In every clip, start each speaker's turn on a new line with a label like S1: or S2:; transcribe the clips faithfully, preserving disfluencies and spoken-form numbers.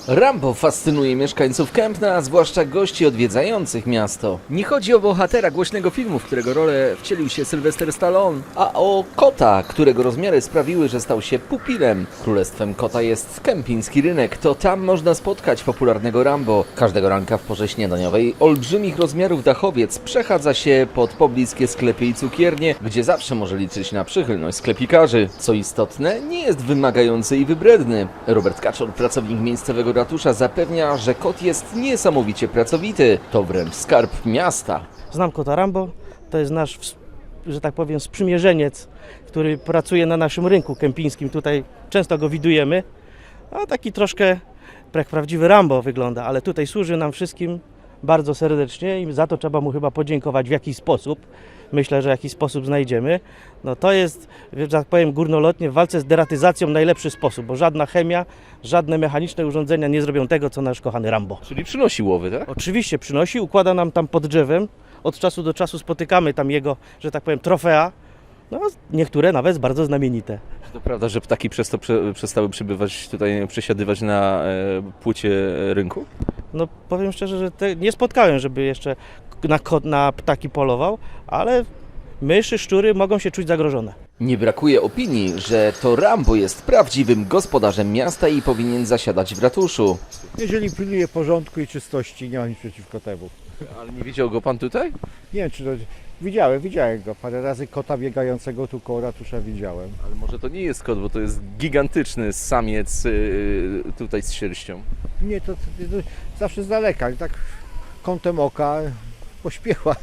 S1: Rambo fascynuje mieszkańców Kępna, a zwłaszcza gości odwiedzających miasto. Nie chodzi o bohatera głośnego filmu, w którego rolę wcielił się Sylwester Stallone, a o kota, którego rozmiary sprawiły, że stał się pupilem. Królestwem kota jest kępiński rynek, to tam można spotkać popularnego Rambo. Każdego ranka w porze śniadaniowej olbrzymich rozmiarów dachowiec przechadza się pod pobliskie sklepy i cukiernie, gdzie zawsze może liczyć na przychylność sklepikarzy. Co istotne, nie jest wymagający i wybredny. Robert Kaczor, pracownik miejscowego ratusza, zapewnia, że kot jest niesamowicie pracowity. To wręcz skarb miasta.
S2: Znam kota Rambo, to jest nasz, że tak powiem, sprzymierzeniec, który pracuje na naszym rynku kępińskim. Tutaj często go widujemy, a taki troszkę jak prawdziwy Rambo wygląda, ale tutaj służy nam wszystkim bardzo serdecznie i za to trzeba mu chyba podziękować w jakiś sposób. Myślę, że jakiś sposób znajdziemy. No to jest, że tak powiem, górnolotnie w walce z deratyzacją najlepszy sposób, bo żadna chemia, żadne mechaniczne urządzenia nie zrobią tego, co nasz kochany Rambo.
S1: Czyli przynosi łowy, tak?
S2: Oczywiście przynosi, układa nam tam pod drzewem. Od czasu do czasu spotykamy tam jego, że tak powiem, trofea. No, niektóre nawet bardzo znamienite.
S1: To prawda, że ptaki przez to prze, przestały przybywać tutaj, przesiadywać na e, płycie rynku?
S2: No powiem szczerze, że te, nie spotkałem, żeby jeszcze na, kot, na ptaki polował, ale myszy, szczury mogą się czuć zagrożone.
S1: Nie brakuje opinii, że to Rambo jest prawdziwym gospodarzem miasta i powinien zasiadać w ratuszu.
S3: Jeżeli pilnuje porządku i czystości, nie ma nic przeciwko temu.
S1: Ale nie widział go pan tutaj?
S3: Nie wiem, czy to... Widziałem, widziałem go. Parę razy kota biegającego tu koło ratusza widziałem.
S1: Ale może to nie jest kot, bo to jest gigantyczny samiec yy, tutaj z sierścią.
S3: Nie, to, to, to zawsze z daleka, tak kątem oka pośpiechła.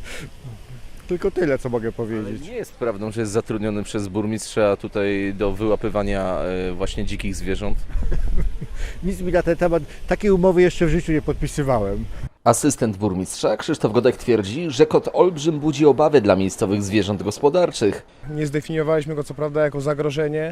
S3: Tylko tyle, co mogę
S1: Ale
S3: powiedzieć.
S1: nie jest prawdą, że jest zatrudniony przez burmistrza tutaj do wyłapywania yy, właśnie dzikich zwierząt.
S3: Nic mi na ten temat, takiej umowy jeszcze w życiu nie podpisywałem.
S1: Asystent burmistrza Krzysztof Godek twierdzi, że kot olbrzym budzi obawy dla miejscowych zwierząt gospodarczych.
S4: Nie zdefiniowaliśmy go co prawda jako zagrożenie,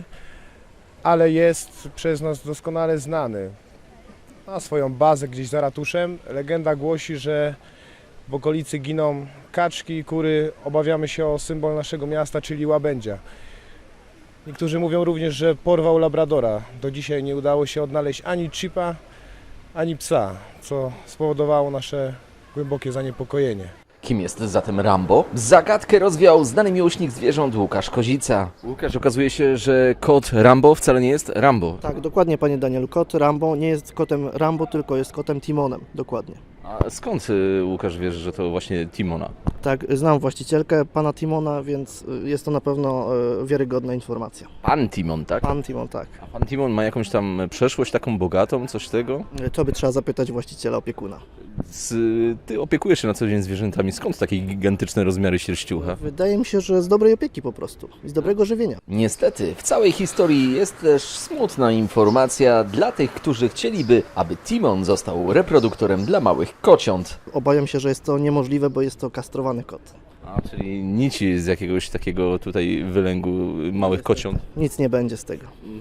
S4: ale jest przez nas doskonale znany. Ma swoją bazę gdzieś za ratuszem. Legenda głosi, że w okolicy giną kaczki i kury. Obawiamy się o symbol naszego miasta, czyli łabędzia. Niektórzy mówią również, że porwał labradora. Do dzisiaj nie udało się odnaleźć ani chipa, ani psa, co spowodowało nasze głębokie zaniepokojenie.
S1: Kim jest zatem Rambo? Zagadkę rozwiał znany miłośnik zwierząt Łukasz Kozica. Łukasz, okazuje się, że kot Rambo wcale nie jest Rambo.
S5: Tak, dokładnie, panie Danielu. Kot Rambo nie jest kotem Rambo, tylko jest kotem Timonem. Dokładnie.
S1: A skąd y, Łukasz wiesz, że to właśnie Timona?
S5: Tak, znam właścicielkę pana Timona, więc y, jest to na pewno y, wiarygodna informacja.
S1: Pan Timon, tak?
S5: Pan Timon, tak.
S1: A pan Timon ma jakąś tam przeszłość taką bogatą, coś tego?
S5: Y, To by trzeba zapytać właściciela, opiekuna.
S1: Z, ty opiekujesz się na co dzień zwierzętami. Skąd takie gigantyczne rozmiary sierściucha?
S5: Wydaje mi się, że z dobrej opieki po prostu i z dobrego żywienia.
S1: Niestety, w całej historii jest też smutna informacja dla tych, którzy chcieliby, aby Timon został reproduktorem dla małych kociąt.
S5: Obawiam się, że jest to niemożliwe, bo jest to kastrowany kot.
S1: A, czyli nici z jakiegoś takiego tutaj wylęgu małych kociąt.
S5: Nic nie będzie z tego.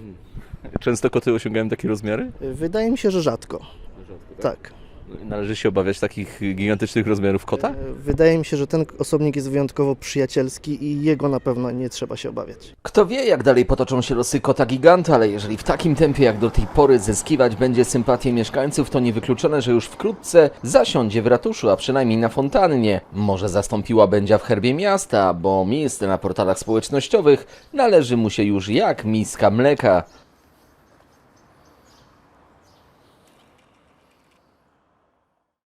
S1: Często koty osiągają takie rozmiary?
S5: Y, Wydaje mi się, że rzadko. Tak.
S1: Należy się obawiać takich gigantycznych rozmiarów kota?
S5: Y, Wydaje mi się, że ten osobnik jest wyjątkowo przyjacielski i jego na pewno nie trzeba się obawiać.
S1: Kto wie, jak dalej potoczą się losy kota giganta, ale jeżeli w takim tempie jak do tej pory zyskiwać będzie sympatię mieszkańców, to niewykluczone, że już wkrótce zasiądzie w ratuszu, a przynajmniej na fontannie. Może zastąpiła będzie w herbie miasta, bo miejsce na portalach społecznościowych należy mu się już jak miska mleka.